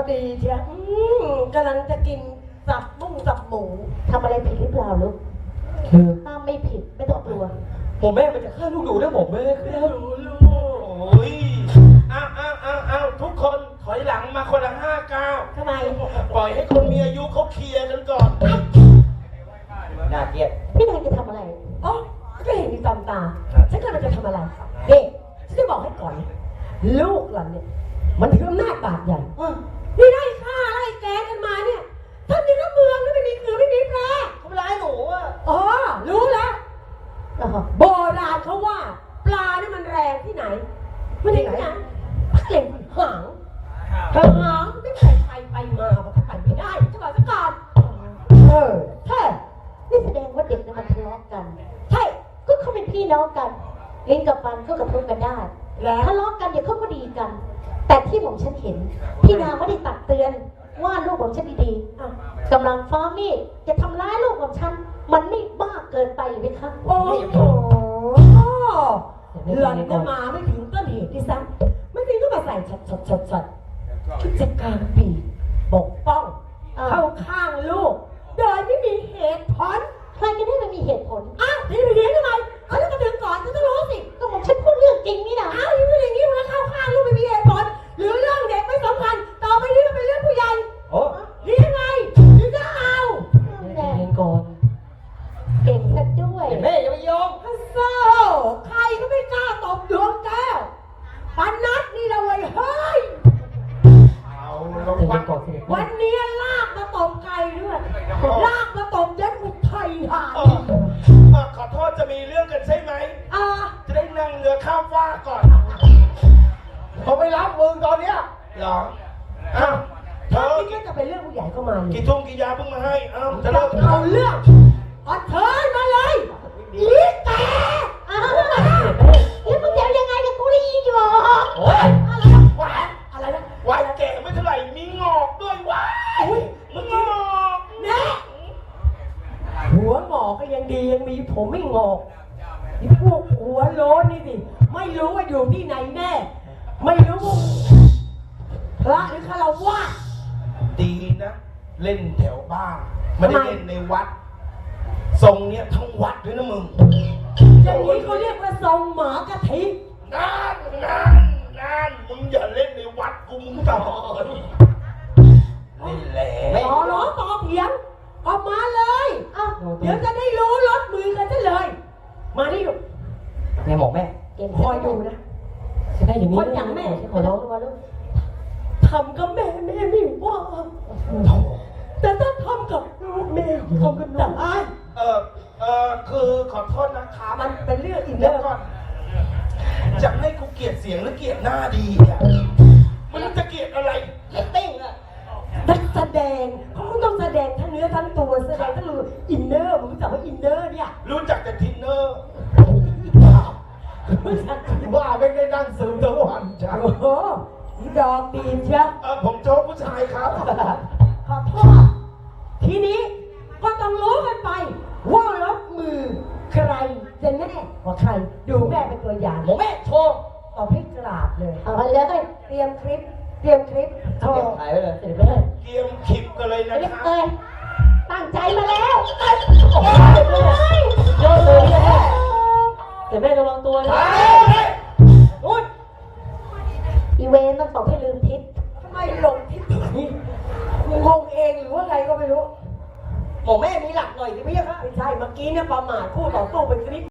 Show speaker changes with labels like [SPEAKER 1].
[SPEAKER 1] ดีเชียวกำลังจะกินสับบุ้งสับหมูทำอะไรผิดหรือเปล่าลูกถ้าไม่ผิดไม่ต้องกลัว
[SPEAKER 2] ผมแม่มันจะฆ่าลูกหนูนะผมแม่ครับ
[SPEAKER 3] ลูกโอ้ยอ้าวทุกคนถอยหลังมาคนละ5 ก้าว
[SPEAKER 1] ทำไม
[SPEAKER 3] ปล่อยให้คนมีอายุเขาเคลียร์กันก่อน
[SPEAKER 2] น่าเกลียด
[SPEAKER 1] พี่นายจะทำอะไรอ๋อก็เห็นมีตามตาฉันกำลังจะทำอะไรเด็กฉันจะบอกให้ก่อนลูกหล่อนเนี่ยมันถืออำนาจบาดใหญ่นี่ไล่ฆ่าไล่แกงกันมาเนี่ยท่านนี่ก็เมืองนี่ไม่มีคือไม่มีแปร
[SPEAKER 2] ทำร้ายหนูอ่ะ
[SPEAKER 1] อ๋อรู้แล้วโบราณเขาว่าปลานี่มันแรงที่ไหนมันที่ไหนเก่งหางไม่ใส่ไปมามันก็ไปไม่ได้จะบอกซะก่อนใช่นี่แสดงว่าเด็กเนี่ยมันทะเลาะกันใช่ก็เขาเป็นพี่น้องกันลิ้นกับฟันก็กระทบกันได้ทะเลาะกันเดี๋ยวเขาก็ดีกันแต่ที่ผมฉันเห็นพี่นาไม่ได้ตักเตือนว่าลูกของฉันดีๆกำลังฟ้ามีดจะทำร้ายลูกของฉันมันไม่บ้าเกินไปหรือไหมคะโอ้โหหล่อนก็มาไม่ถึงต้นเหตุที่ซ้ำไม่ถึงก็มาใส่ชัดคิดจะกลางปีปกป้องเข้าข้างลูกโดยไม่มีเหตุผลใครกันได้มันมีเหตุผลอ้าวนี่ไปเรียนทำไมเขาจะมาถึงก่อนฉันต้องรู้สิก็ผมฉันพูดเรื่องจริงนี่นะอ้าวยังไม่อย่างนี้มันเข้าข้างลูกไม่มีเหตุผลหรือเรื่องเด็กไม่สำคัญต่อไปนี้มันเป็นเรื่องผู้ใหญ่
[SPEAKER 2] โอ้
[SPEAKER 1] หรือยังไงหรือจะเอา
[SPEAKER 2] เรียนก่อน
[SPEAKER 1] เก่งซะด้วย
[SPEAKER 2] แม่อย่าไปยอม
[SPEAKER 1] ฮัสโซใครก็ไม่กล้าตบดวงแก้วปานัดนี่เราเลยเฮ้ยวันนี้ลากมาตบไก่ด้วยลากมาตบเด็กอุทัยธานี
[SPEAKER 3] ขอโทษจะมีเรื่องกันใช่ไหมจะได้นั่งเรือข้ามฟ้าก่อน
[SPEAKER 2] เขาไม่รับมึงตอนเนี้ย
[SPEAKER 3] หรอ
[SPEAKER 1] ถ้าพี่ก็จะเป็นเรื่องผู้ใหญ่ก็มา
[SPEAKER 3] กี่ทุ่มกี่ยาเพิ่งมาให้จะเลิก
[SPEAKER 1] เอาเรื่องเชิญมาเลยอีแกแล้วมึงจะยังไงกับกูได้ยินอยู่
[SPEAKER 2] โอ้ย
[SPEAKER 1] อะไรนะ
[SPEAKER 3] วายแก่ไม่เท่าไหร่มีงอกด้วยวายมึงงอก
[SPEAKER 1] นะหัวงอกก็ยังดียังมีผมไม่งอกนี่พวกหัวโล้นนี่สิไม่รู้ว่าอยู่ที่ไหนแน่ไม่รู้พระหรือคารวะ
[SPEAKER 3] ดีนะเล่นแถวบ้านไม่ได้เล่นในวัดทรงเนี้ยทั้งวัดด้วยนะมึง
[SPEAKER 1] อย่างนี้เขาเรียกว่าทรงหมากะทิ
[SPEAKER 3] นั่นมึงอย่าเล่นในวัดกูมึงต่อยนี่แหละ
[SPEAKER 1] ร้องต่อเถียงออกมาเลยเดี๋ยวจะได้รู้ลดมือกันซะเลยมาดิลูก
[SPEAKER 2] แม่บอกแม่
[SPEAKER 1] คอยดูนะ
[SPEAKER 2] จะได้อย่างนี้
[SPEAKER 1] คนอย่างแม่ขอร้องด้วยลูกทำกับแม่ไม่ว่าแต่ถ้าทำกับลูกแม่ทำกันได้
[SPEAKER 3] คือขอโทษนะคะ
[SPEAKER 1] มันเป็นเรื่องอินเนอร์
[SPEAKER 3] ก่อนจะให้กูเกลียดเสียงหรือเกลียดหน้าดีอ่ะมันจะเกลียดอะไร
[SPEAKER 1] เต้งอ่ะนักแสดงเขาต้องแสดงทั้งเนื้อทั้งตัวแสดงทั้งอินเนอร์มึงรู้จักว่าอินเนอร์เนี่ย
[SPEAKER 3] รู้จักแต่ทินเนอร์
[SPEAKER 2] ว่าไม่ได้นั่งซึมทั้งวันจ้ะ
[SPEAKER 1] โอ้โหดอกดีเชียว
[SPEAKER 3] ผมโจ๊กผู้ชายครับ
[SPEAKER 1] ขอโทษทีนี้ก็ต้องรู้กันไปว่ารถมือใครจะแน่กว่าใครดูแม่เป็นตัวอย่าง
[SPEAKER 2] แม่โชว์
[SPEAKER 1] ต่อพี่กราบเลยเอาเลยเตรียมคลิป
[SPEAKER 2] โชว์ถ่ายไว้เลย
[SPEAKER 3] เตรียมคลิปกันเลยนะครับ
[SPEAKER 1] ตั้งใจมาแล้ว
[SPEAKER 2] โยนเลยแต่แม่ระวังตัวนะ
[SPEAKER 3] อุ้ย
[SPEAKER 1] อีเวนต้องตอบให้ลืมทิศทำไมหลงทิศนี่งงเองหรือว่าไงก็ไม่รู้
[SPEAKER 2] บอกแม่มีหลักหน่อยสิพี่ครับ
[SPEAKER 1] ไม่ใช่เมื่อกี้เนี่ยประมาทคู่ต่อสู้เป็นคลิป